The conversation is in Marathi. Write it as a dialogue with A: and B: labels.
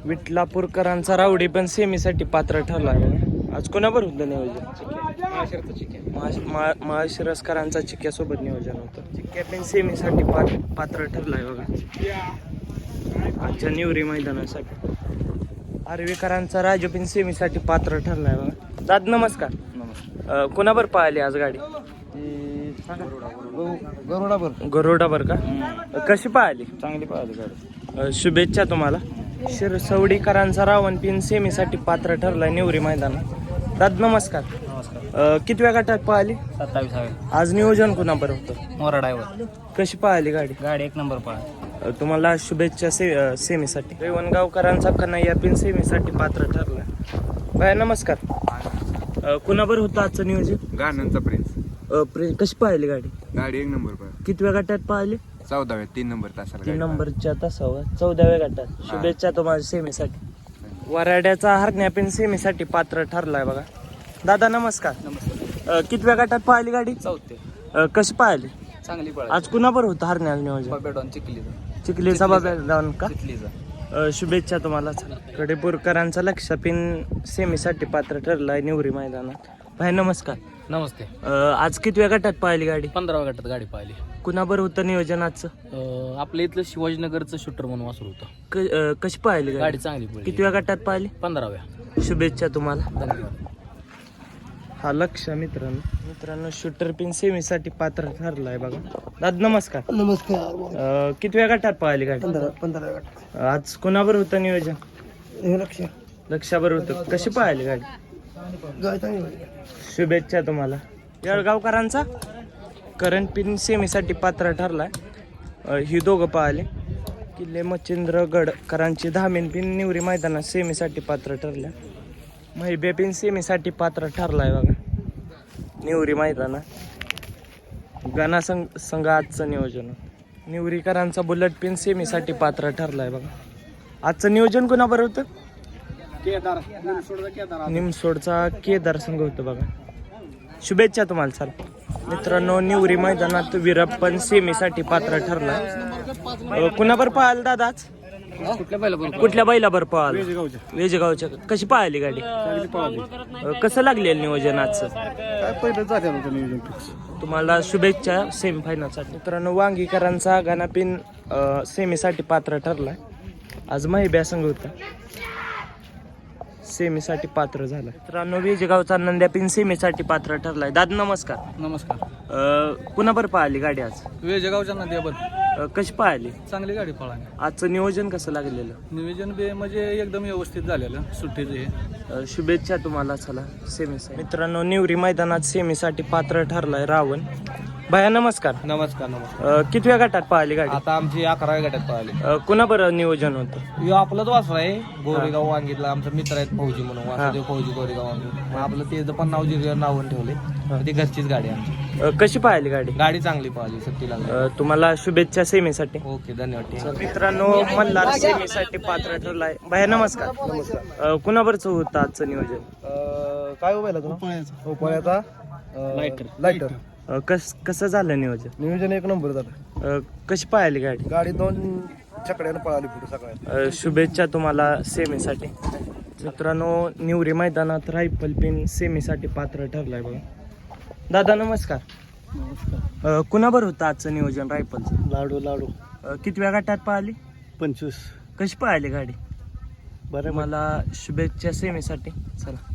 A: विटलापूरकरांचा रावडी पण सेमीसाठी पात्र ठरला आहे. आज कोणाबर होतं नियोजन? महाशिरसकरांचा चिक्क्यासोबत नियोजन होतं. चिक्क्या पण सेमीसाठी पात्र ठरला आहे बघा आजच्या निवरी मैदानासाठी. आर्वीकरांचा राजू पण सेमीसाठी पात्र ठरला आहे बघा. दाद नमस्कार.
B: नमस्कार.
A: कोणाबर पाहिली आज गाडी? गरुडाबर का? कशी पाहिली?
B: चांगली पाहिली गाडी.
A: शुभेच्छा तुम्हाला. शिरसवडीकरांचा रावण पिन सेमीसाठी पात्र ठरलाय निवरी मैदानात. दाद नमस्कार.
B: नमस्कार.
A: कितव्या गटात पाहिली?
B: 27.
A: आज नियोजन कुणाबर होतं?
B: मोरा ड्रायव्हर.
A: कशी पाहिली गाडी?
B: गाडी 1 नंबर पाहिली.
A: तुम्हाला शुभेच्छा सेमीसाठी. रेवणगावकरांचा कन्हैया पिन सेमीसाठी पात्र ठरलाय. बाय नमस्कार. कुणाबर होतं आजचं नियोजन?
C: गाण्यांचा प्रिन्स.
A: कशी पाहिली गाडी?
C: गाडी 1 नंबर पाहिजे.
A: कितव्या गटात पाहिली?
C: 14व्या 3 नंबर तासाला
A: 3 नंबरच्या तासावर 14व्या गटात. शुभेच्छा तुम्हाला सेमीसाठी. वराड्याचा हरण्या पिन सेमीसाठी पात्र ठरलाय बघा. दादा नमस्कार.
B: नमस्कार.
A: कितव्या गटात पाहिली गाडी?
B: 4थी.
A: कशी पाहिली?
B: चांगली पाहिली.
A: आज कुणाबर होतं हरण्या नियोजन?
B: बाबेडॉन चिखलीचा.
A: चिखलीचा बाबा जाऊन का?
B: चिखलीचा.
A: शुभेच्छा तुम्हाला. कडेपूरकरांचा लक्ष पिन सेमीसाठी पात्र ठरलाय निवरी मैदानात. भाई नमस्कार.
B: नमस्ते.
A: आज कितव्या गटात पाहिली गाडी?
B: 15व्या गटात गाडी पाहिली.
A: कुणाबर होतं नियोजन आजचं?
B: आपल्या इथलं शिवाजीनगरचं शूटर म्हणून वासरू होतं.
A: कशी पाहिली
B: गाडी
A: गाडी?
B: चांगली पडली.
A: कितव्या गटात पाहिली?
B: 15व्या.
A: शुभेच्छा तुम्हाला.
B: धन्यवाद.
A: हा लक्ष मित्रांनो शूटर पिन सेमीसाठी पात्र ठरलाय बघा. दाद नमस्कार.
D: नमस्कार.
A: कितव्या गटात पाहिली गाडी?
D: 15 गट.
A: आज कोणाबर होतं नियोजन?
D: हे लक्ष
A: लक्षाबर होतं. कशी पाहिली गाडी?
D: गाय चांगली पाहिजे.
A: शुभेच्छा तुम्हाला. येळगावकरांचा करंट पिन सेमीसाठी पात्र ठरलाय. ही दोघं पाहिले. किल्ले मच्छिंद्रगडकरांची 10 पिन निवरी मैदानात सेमीसाठी पात्र ठरल्या. महिबे पिन सेमीसाठी पात्र ठरलाय बघा निवरी मैदानात. गाणा संघ आजचं नियोजन. निवरीकरांचा बुलेट पिन सेमीसाठी पात्र ठरलाय बघा. आजचं नियोजन कोणाबर होतं? निमसोडचा केदार संघ होतं बघा. शुभेच्छा तुम्हाला. चाल मित्रांनो निवरी मैदानात विरप्पन सेमीसाठी पात्र ठरला. कुणाबर पाहाल दादा आज? कुठल्या बैलाबर पाहाल? वेजगावच्या. कशी पाहिली गाडी? कसं लागलेलं नियोजन आजचं?
D: काय पहिलं झालं होतं नियोजन फिक्स.
A: तुम्हाला शुभेच्छा सेमीफायनलसाठी. मित्रांनो वांगीकरांचा गाणापिन सेमीसाठी पात्र ठरलाय. आज महिब्या संघ होता सेमीसाठी पात्र झाला. मित्रांनो वेजगावचा नंद्या पिन सेमीसाठी पात्र ठरलाय. दादा नमस्कार.
B: नमस्कार.
A: कुणाबर पाहिली गाडी आज?
B: वेजगावच्या नद्यावर
A: कशी पाहिली?
B: चांगली गाडी पळाली.
A: आजचं नियोजन कसं लागलेलं?
B: नियोजन बे म्हणजे एकदम व्यवस्थित झालेलं सुट्टीचं हे.
A: शुभेच्छा तुम्हाला. चला सेमीसाठी. मित्रांनो निवरी मैदानात सेमीसाठी पात्र ठरलाय रावण. भया नमस्कार.
B: नमस्कार.
A: कितव्या गटात पाहिली गाडी?
B: आता आमची 11व्या गटात पळाली.
A: कुणाबर नियोजन होतं?
B: ह्यो आपलंच वासरू आहे. गोरेगाव वांगीतला आमचा मित्र आहेत फौजी म्हणून. वासुदेव फौजी गोरेगाव वांगी. मग आपलं ते पण नावून ठेवले. ती घरचीच गाडी आहे आमची.
A: कशी पाहिली गाडी?
B: गाडी चांगली पाहिली. सुट्टीला.
A: तुम्हाला शुभेच्छा सेमीसाठी.
B: ओके धन्यवाद.
A: मित्रांनो मल्हार सेमीसाठी पात्र ठरलाय. भया नमस्कार. कुणाबरचं होतं आजचं नियोजन?
D: काय उभायला तुला? पळ्याचा लायटर.
A: कसं झालं नियोजन?
D: नियोजन 1 नंबर झालं.
A: कशी पाहिली गाडी?
D: गाडी 2 चकड्यानं पळाली पुढे सगळ्यात.
A: शुभेच्छा तुम्हाला सेमीसाठी. मित्रांनो निवरी मैदानात रायफल पिन सेमीसाठी पात्र ठरलाय बघा. दादा नमस्कार. कुणाबर होतं आजचं नियोजन रायफलचं?
D: लाडू.
A: कितव्या गटात पाहिली?
D: 25.
A: कशी पाहिली गाडी?
D: बरं.
A: मला शुभेच्छा सेमीसाठी. चला.